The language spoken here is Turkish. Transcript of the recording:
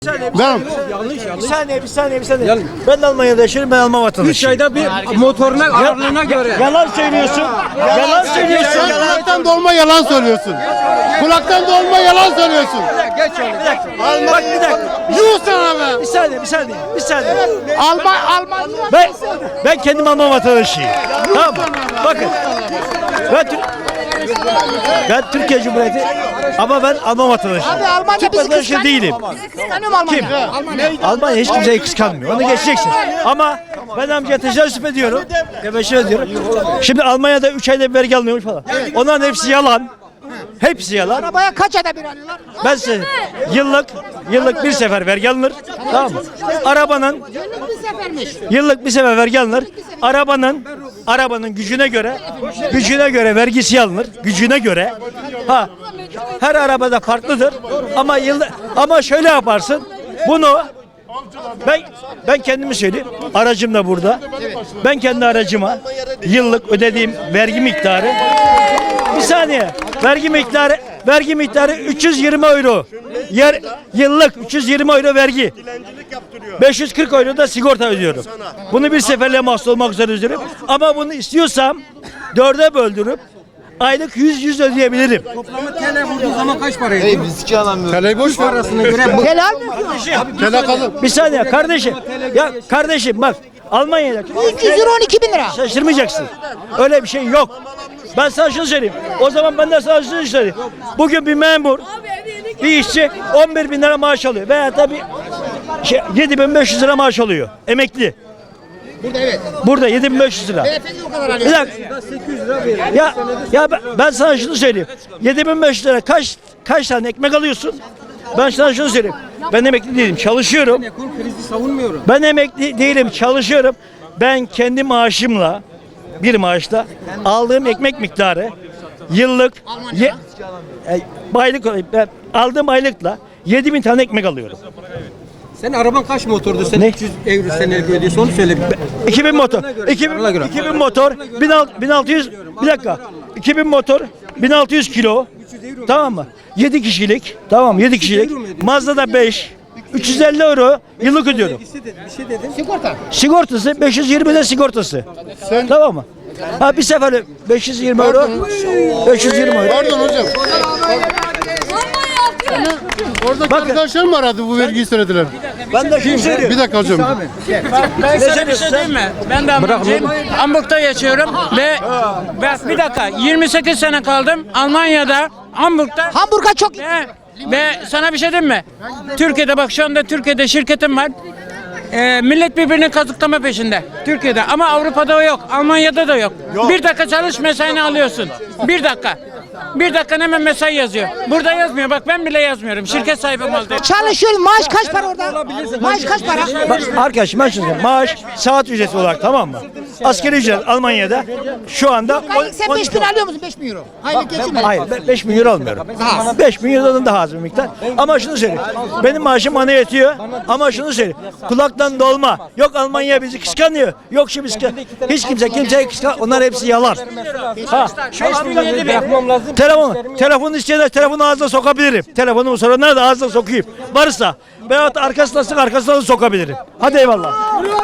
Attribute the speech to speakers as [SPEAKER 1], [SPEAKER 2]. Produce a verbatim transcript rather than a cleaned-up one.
[SPEAKER 1] Ben
[SPEAKER 2] Bir saniye, bir saniye, bir saniye. Ben de Almanya'da yaşıyorum, ben Alman vatandaşıyım.
[SPEAKER 3] Üç ayda bir motoruna ağırlığına göre.
[SPEAKER 2] Yalan söylüyorsun. Yalan söylüyorsun.
[SPEAKER 1] sen
[SPEAKER 2] Yalan.
[SPEAKER 1] kulaktan dolma yalan söylüyorsun. Kulaktan dolma yalan söylüyorsun.
[SPEAKER 3] Geç öyle.
[SPEAKER 2] Bir dakika. Bak bir dakika.
[SPEAKER 1] Yuh sana be.
[SPEAKER 2] Bir saniye, bir saniye, bir saniye.
[SPEAKER 1] Alman Alman.
[SPEAKER 2] Ben ben kendim Alman vatandaşıyım. Tamam mı? Bakın. Ben Türk ben Türkiye Cumhuriyeti ama ben Alman vatandaşıyım.
[SPEAKER 4] Abi Almanya
[SPEAKER 2] Türk
[SPEAKER 4] bizi
[SPEAKER 2] vatandaşı
[SPEAKER 4] kıskanıyor.
[SPEAKER 2] değilim.
[SPEAKER 4] Bizi kıskanıyor mu Almanya?
[SPEAKER 2] Kim? Almanya hiç kimseyi kıskanmıyor. Onu geçeceksin. Ama ben amcaya teşebbüs ediyorum. Teşebbüs ediyorum. Şimdi Almanya'da üç ayda bir vergi alınıyormuş falan. Onların hepsi yalan. Hepsi yalan.
[SPEAKER 4] Arabaya kaç ayda bir alıyorlar?
[SPEAKER 2] Ben size yıllık yıllık bir sefer vergi alınır. Tamam mı? Arabanın
[SPEAKER 4] Yıllık bir sefermiş.
[SPEAKER 2] yıllık bir sefer vergi alınır. Arabanın arabanın gücüne göre gücüne göre vergisi alınır. Gücüne göre. Ha. Her arabada farklıdır. Ama yılda ama şöyle yaparsın. Bunu ben ben kendimi söyleyeyim. Aracım da burada. Ben kendi aracıma yıllık ödediğim vergi miktarı bir saniye. Vergi miktarı vergi miktarı üç yüz yirmi euro. Yer yıllık üç yüz yirmi euro vergi. beş yüz kırk euro da sigorta ödüyorum. Bunu bir seferle mahsus olmak üzere ödüyorum. Ama bunu istiyorsam dörde böldürüp aylık yüz yüz ödeyebilirim.
[SPEAKER 3] Toplamı T L vurduğu zaman kaç para ediyor?
[SPEAKER 1] Teleyi boş ver.
[SPEAKER 3] Parasına göre bu.
[SPEAKER 4] Helal mi?
[SPEAKER 1] Tele kalın.
[SPEAKER 2] Bir saniye kardeşim. Ya kardeşim bak Almanya'da
[SPEAKER 4] üç yüz euro on iki bin lira.
[SPEAKER 2] şaşırmayacaksın. Öyle bir şey yok. Ben sana şunu söyleyeyim. O zaman ben de sana şunu söyleyeyim. Bugün bir memur, bir işçi on bir bin lira maaş alıyor. Veya tabii şey, yedi bin beş yüz lira maaş alıyor. Emekli.
[SPEAKER 4] Burada evet.
[SPEAKER 2] Burada yedi bin beş yüz lira.
[SPEAKER 4] Beyefendi o kadar
[SPEAKER 2] Bir
[SPEAKER 4] alıyor.
[SPEAKER 2] dakika. Ya, ya ben, ben sana şunu söyleyeyim. yedi bin beş yüz lira kaç kaç tane ekmek alıyorsun? Ben sana şunu söyleyeyim. Ben emekli değilim. Çalışıyorum.
[SPEAKER 3] Ekonomik krizi savunmuyorum.
[SPEAKER 2] Ben emekli değilim, çalışıyorum. Ben kendi maaşımla, bir maaşla aldığım ekmek miktarı yıllık ye, e, aylık ben aldığım aylıkla yedi bin tane ekmek alıyorum.
[SPEAKER 3] Senin araban kaç motordu? Sen
[SPEAKER 2] Ne?
[SPEAKER 3] üç yüz euro senelik ödüyorsun onu söyle.
[SPEAKER 2] iki bin motor. iki bin,
[SPEAKER 3] Ona göre.
[SPEAKER 2] iki bin motor. bin altı yüz bir dakika. iki bin motor. bin altı yüz kilo. Tamam mı? yedi kişilik. Tamam yedi kişilik. Mazda'da beş. üç yüz elli euro yıllık ödüyorum.
[SPEAKER 3] Bir şey dedin. Bir şey dedin.
[SPEAKER 4] Sigorta.
[SPEAKER 2] Sigortası beş yüz yirmi de sigortası. Tamam mı? Ha bir sefer beş yüz yirmi euro. beş yüz yirmi euro.
[SPEAKER 1] Pardon hocam. Orada arkadaşlar mı aradı bu vergiyi söylediler?
[SPEAKER 2] Ben de şunu söylüyorum.
[SPEAKER 1] Bir dakika hocam.
[SPEAKER 5] Ben sana bir şey diyeyim mi? Ben de Almancıyım. Hamburg'da yaşıyorum ve, ve bir dakika yirmi sekiz sene kaldım Almanya'da, Hamburg'da
[SPEAKER 4] Hamburg'a çok
[SPEAKER 5] ve, ve sana bir şey diyeyim mi? Türkiye'de bak şu anda Türkiye'de şirketim var. Ee, millet birbirini kazıklama peşinde. Türkiye'de ama Avrupa'da o yok. Almanya'da da yok. Bir dakika çalış mesaini alıyorsun. Bir dakika. Bir dakika hemen mesai yazıyor. Burada yazmıyor. Bak ben bile yazmıyorum. Şirket sahibi mal değil.
[SPEAKER 4] çalışıyorum. Maaş kaç para orada? Maaş kaç para?
[SPEAKER 2] Bak, arkadaşım ben şunu söyleyeyim. Maaş saat ücreti olarak tamam mı? Asgari ücret Almanya'da şu anda
[SPEAKER 4] Aylık sen beş bin alıyor musun? beş bin euro. Aylık geçin mi?
[SPEAKER 2] hayır ben beş bin euro almıyorum. beş bin eurodan daha az bir miktar. Ama şunu söyleyeyim. Benim maaşım bana yetiyor. Ama şunu söyleyeyim. Kulaktan dolma. Yok Almanya bizi kıskanıyor. Yok şu bizi kıskanıyor. Hiç kimse kimseyi kıskanıyor. Onlar hepsi yalan. Ha.
[SPEAKER 3] Bırakmam lazım.
[SPEAKER 2] Telefonu, telefonu isteyenler telefonu ağzına sokabilirim. Telefonumu soranlar da ağzına sokayım. Varsa veyahut arkasına sık arkasına da sokabilirim. Hadi eyvallah.